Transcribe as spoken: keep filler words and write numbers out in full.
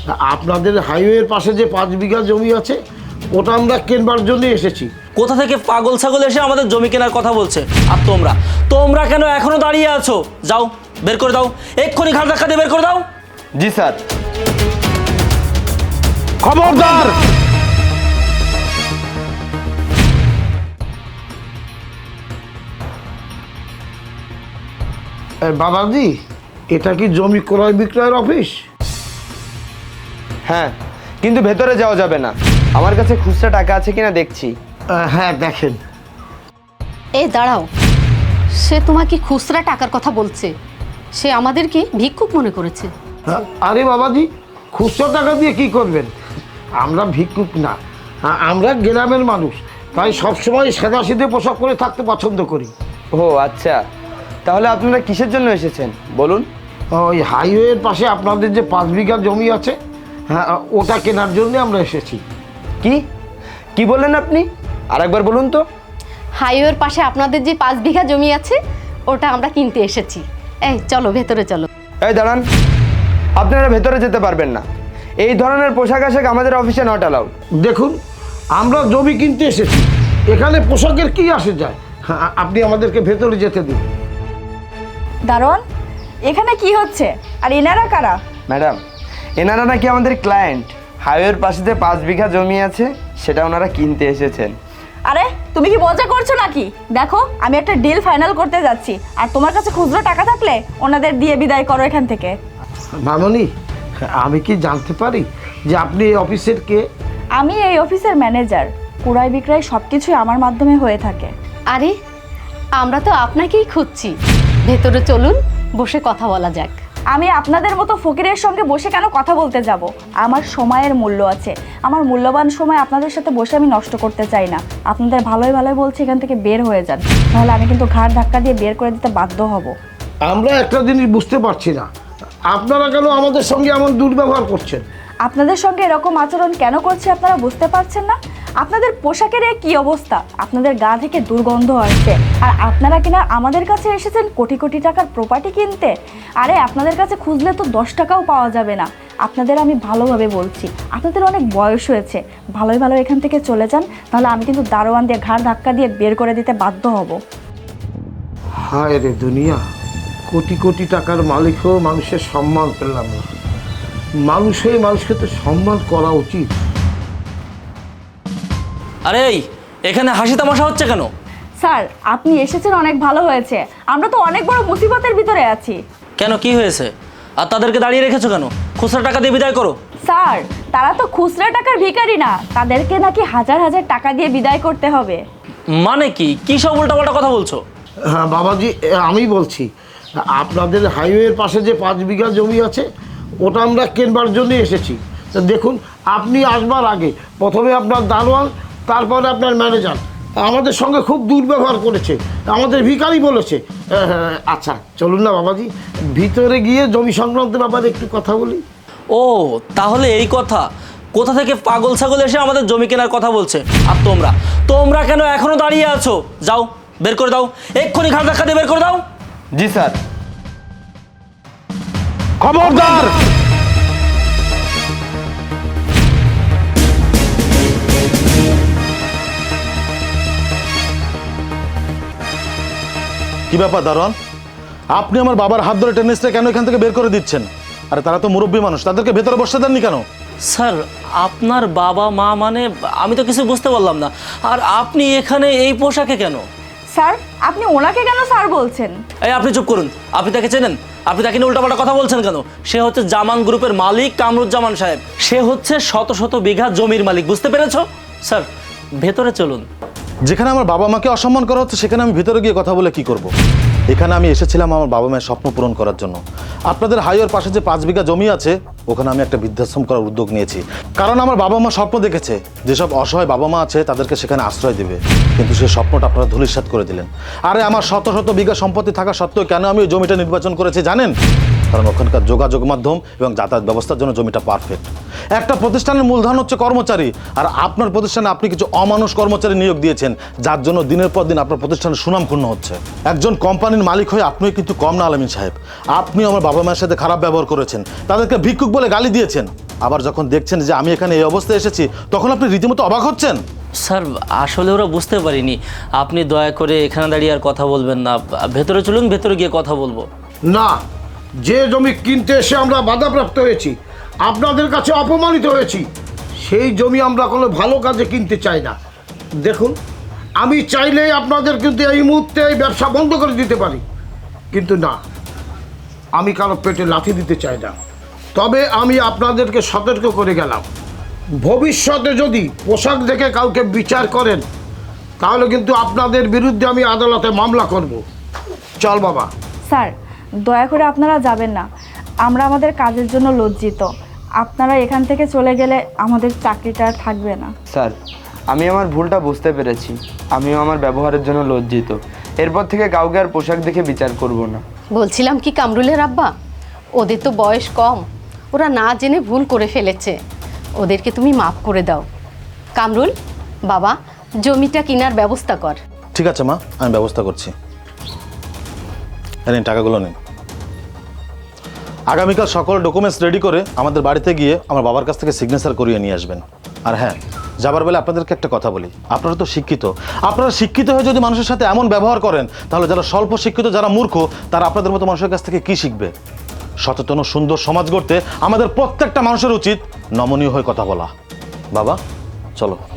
আপনাদের হাইওয়ের পাশে যে পাঁচ বিঘা জমি আছে ওটা আমরা কেনবার জন্য এসেছি। কোথা থেকে পাগল ছাগল এসে আমাদের জমি কেনার কথা বলছে? আর তোমরা তোমরা কেন এখনো দাঁড়িয়ে আছো? যাও বের করে দাও, এক্ষুনি ঘাট ধাক্কা দিয়ে বের করে দাও। জি স্যার। খবরদার! বাবাজি, এটা কি জমি ক্রয় বিক্রয়ের অফিস? হ্যাঁ, কিন্তু ভেতরে যাওয়া যাবে না। আমার কাছে খুচরা টাকা আছে কিনা দেখছি। হ্যাঁ দেখেন। এই দাঁড়াও, সে তোমাকে খুচরা টাকার কথা বলছে। সে আমাদেরকে ভিক্ষুক মনে করেছে। আরে বাবাজি, খুচরা টাকা দিয়ে কি করবেন? আমরা ভিক্ষুক না, আমরা গ্রামের মানুষ, তাই সবসময় সাদা সিধে পোশাক পরে থাকতে পছন্দ করি। ও আচ্ছা, তাহলে আপনারা কিসের জন্য এসেছেন বলুন? ওই হাইওয়ের পাশে আপনাদের যে পাঁচ বিঘা জমি আছে, হ্যাঁ ওটা কেনার জন্য আমরা এসেছি। কি কি বললেন আপনি? আরেকবার বলুন তো। হাইওয়ের পাশে আপনাদের যে পাঁচ বিঘা জমি আছে ওটা আমরা কিনতে এসেছি। এই চলো ভেতরে চলো। এই দাঁড়ান, আপনারা ভেতরে যেতে পারবেন না। এই ধরনের পোশাক আশাক আমাদের অফিসে নট অ্যালাউড। দেখুন, আমরা জমি কিনতে এসেছি, এখানে পোশাকের কি আসে যায়? হ্যাঁ, আপনি আমাদেরকে ভেতরে যেতে দিন। দারোয়ান, এখানে কি হচ্ছে? আর এনারা কারা? ম্যাডাম, এনারা নাকি আমাদের ক্লায়েন্ট। হাইওয়ের পাশে যে পাঁচ বিঘা জমি আছে সেটা ওনারা কিনতে এসেছেন। আরে তুমি কি মজা করছো নাকি? দেখো, আমি একটা ডিল ফাইনাল করতে যাচ্ছি, আর তোমার কাছে খুচরো টাকা থাকলে ওনাদের দিয়ে বিদায় করো এখান থেকে। মামনি, আমি কি জানতে পারি যে আপনি এই অফিসের কে? আমি এই অফিসের ম্যানেজার। ক্রয় বিক্রয় সব কিছুই আমার মাধ্যমে হয়ে থাকে। আরে আমরা তো আপনাকেই খুঁজছি। ভেতরে চলুন, বসে কথা বলা যাক। আমি আপনাদের মতো ফকিরের সঙ্গে বসে কেন কথা বলতে যাব? আমার সময়ের মূল্য আছে। আমার মূল্যবান সময় আপনাদের সাথে বসে আমি নষ্ট করতে চাই না। আপনাদের ভালোই ভালোই বলছি, এখান থেকে বের হয়ে যান, নাহলে আমি কিন্তু ঘাড় ধাক্কা দিয়ে বের করে দিতে বাধ্য হব। আমরা একটা জিনিস বুঝতে পারছি না, আপনারা কেন আমাদের সঙ্গে এমন দুর্ব্যবহার করছেন? আপনাদের সঙ্গে এরকম আচরণ কেন করছে আপনারা বুঝতে পারছেন না? আপনাদের পোশাকের এই কী অবস্থা, আপনাদের গা থেকে দুর্গন্ধ আসছে, আর আপনারা কিনা আমাদের কাছে এসেছেন কোটি কোটি টাকার প্রপার্টি কিনতে। আরে আপনাদের কাছে খুঁজলে তো দশ টাকাও পাওয়া যাবে না। আপনাদের আমি ভালোভাবে বলছি, আপনাদের অনেক বয়স হয়েছে, ভালোই ভালো এখান থেকে চলে যান, তাহলে আমি কিন্তু দারোয়ান দিয়ে ঘাড় ধাক্কা দিয়ে বের করে দিতে বাধ্য হব। হায় রে দুনিয়া, কোটি কোটি টাকার মালিক হয়েও মানুষের সম্মান পেলাম না। মানুষ হয়ে মানুষকে তো সম্মান করা উচিত। আরে এই, এখানে হাসি তামাশা হচ্ছে কেন? স্যার, আপনি এসেছেন অনেক ভালো হয়েছে। আমরা তো অনেক বড় মুসিবতের ভিতরে আছি। কেন, কি হয়েছে? আর তাদেরকে দাঁড়িয়ে রেখেছো কেন? খুচরা টাকা দিয়ে বিদায় করো। স্যার, তারা তো খুচরা টাকার ভিখারি না, তাদেরকে নাকি হাজার হাজার টাকা দিয়ে বিদায় করতে হবে। মানে কি কি সব উল্টাপাল্টা কথা বলছো? হ্যাঁ বাবাজি, আমি বলছি, আপনাদের হাইওয়ের পাশে যে পাঁচ বিঘা জমি আছে ওটা আমরা কেনবার জন্য এসেছি। তো দেখুন, আপনি আসবার আগে প্রথমে আপনার দারোয়ান, তারপরে আপনার ম্যানেজার আমাদের সঙ্গে খুব দুর্ব্যবহার করেছে, আমাদের ভিখারি বলেছে। আচ্ছা চলুন না বাবাজি, ভিতরে গিয়ে জমি সংক্রান্ত ব্যাপারে একটু কথা বলি। ও তাহলে এই কথা। কোথা থেকে পাগল ছাগল এসে আমাদের জমি কেনার কথা বলছে? আর তোমরা তোমরা কেন এখনো দাঁড়িয়ে আছো? যাও বের করে দাও, এক্ষুনি ঘাট ধাক্কা দিয়ে বের করে দাও। জি স্যার। খবরদার! কি ব্যাপার দারোয়ান, আপনি আমার বাবার হাত ধরে টেনিসটা কেন এখান থেকে বের করে দিচ্ছেন? আরে তারা তো মুরব্বী মানুষ, তাদেরকে ভেতরে বসতে দেননি কেন? স্যার, আপনার বাবা মা মানে আমি তো কিছু বুঝতে পারলাম না। আর আপনি এখানে এই পোশাকে কেন? স্যার, আপনি ওনাকে কেন স্যার বলছেন? এই আপনি চুপ করুন। আপনি তাকে চেনেন? আপনি তাকে নিয়ে উল্টাপাল্টা কথা বলছেন কেন? সে হচ্ছে জামান গ্রুপের মালিক কামরুজ্জামান সাহেব। সে হচ্ছে শত শত বিঘা জমির মালিক, বুঝতে পেরেছো? স্যার ভেতরে চলুন। যেখানে আমার বাবা মাকে অসম্মান করা হচ্ছে সেখানে আমি ভিতরে গিয়ে কথা বলে কি করব? এখানে আমি এসেছিলাম আমার বাবা মায়ের স্বপ্ন পূরণ করার জন্য। আপনাদের হাইওয়ের পাশে যে পাঁচ বিঘা জমি আছে ওখানে আমি একটা বৃদ্ধাশ্রম করার উদ্যোগ নিয়েছি, কারণ আমার বাবা মা স্বপ্ন দেখেছে যেসব অসহায় বাবা মা আছে তাদেরকে সেখানে আশ্রয় দেবে, কিন্তু সেই স্বপ্নটা আপনারা ধূলিসাৎ করে দিলেন। আরে আমার শত শত বিঘা সম্পত্তি থাকা সত্ত্বেও কেন আমি ওই জমিটা নির্বাচন করেছি জানেন? কারণ ওখানকার যোগাযোগ মাধ্যম এবং যাতায়াত ব্যবস্থার জন্য জমিটা পারফেক্ট। একটা প্রতিষ্ঠানের মূলধন হচ্ছে কর্মচারী, আর আপনার প্রতিষ্ঠানে আপনি কিছু অমানুষ কর্মচারী নিয়োগ দিয়েছেন, যার জন্য দিনের পর দিন আপনার প্রতিষ্ঠানের সুনাম ক্ষুণ্ণ হচ্ছে। একজন কোম্পানির মালিক হয়ে আপনিও কিন্তু কম না আলামিন সাহেব। আপনিও আমার বাবা মায়ের সাথে খারাপ ব্যবহার করেছেন, তাদেরকে ভিক্ষুক বলে গালি দিয়েছেন। আবার যখন দেখছেন যে আমি এখানে এই অবস্থায় এসেছি, তখন আপনি রীতিমতো অবাক হচ্ছেন। স্যার আসলে ওরা বুঝতে পারিনি, আপনি দয়া করে এখানে দাঁড়িয়ে আর কথা বলবেন না, ভেতরে চলুন, ভেতরে গিয়ে কথা বলবো। না, যে জমি কিনতে এসে আমরা বাধাপ্রাপ্ত হয়েছি, আপনাদের কাছে অপমানিত হয়েছি, সেই জমি আমরা কোনো ভালো কাজে কিনতে চাই না। দেখুন, আমি চাইলেই আপনাদের কিন্তু এই মুহূর্তে এই ব্যবসা বন্ধ করে দিতে পারি, কিন্তু না, আমি কারো পেটে লাথি দিতে চাই না। তবে আমি আপনাদেরকে সতর্ক করে গেলাম, ভবিষ্যতে যদি পোশাক দেখে কাউকে বিচার করেন, তাহলে কিন্তু আপনাদের বিরুদ্ধে আমি আদালতে মামলা করব। চল বাবা। স্যার, দয়া করে আপনারা যাবেন না, আমরা আমাদের কাজের জন্য লজ্জিত। আপনারা এখান থেকে চলে গেলে আমাদের চাকরিটা আর থাকবে না। স্যার, আমি আমার ভুলটা বুঝতে পেরেছি, আমিও আমার ব্যবহারের জন্য লজ্জিত। এরপর থেকে কাউকে আর পোশাক দেখে বিচার করব না। বলছিলাম কি কামরুলের আব্বা, ওদের তো বয়স কম, ওরা না জেনে ভুল করে ফেলেছে, ওদেরকে তুমি মাফ করে দাও। কামরুল বাবা, জমিটা কেনার ব্যবস্থা কর। ঠিক আছে মা, আমি ব্যবস্থা করছি। নিন টাকাগুলো নিন। আগামীকাল সকল ডকুমেন্টস রেডি করে আমাদের বাড়িতে গিয়ে আমার বাবার কাছ থেকে সিগনেচার করিয়ে নিয়ে আসবেন। আর হ্যাঁ, যাবার বেলা আপনাদেরকে একটা কথা বলি, আপনারা তো শিক্ষিত, আপনারা শিক্ষিত হয়ে যদি মানুষের সাথে এমন ব্যবহার করেন, তাহলে যারা স্বল্প শিক্ষিত, যারা মূর্খ, তারা আপনাদের মতো মানুষের কাছ থেকে কি শিখবে? সচেতন ও সুন্দর সমাজ গড়তে আমাদের প্রত্যেকটা মানুষের উচিত নমনীয় হয়ে কথা বলা। বাবা চলো।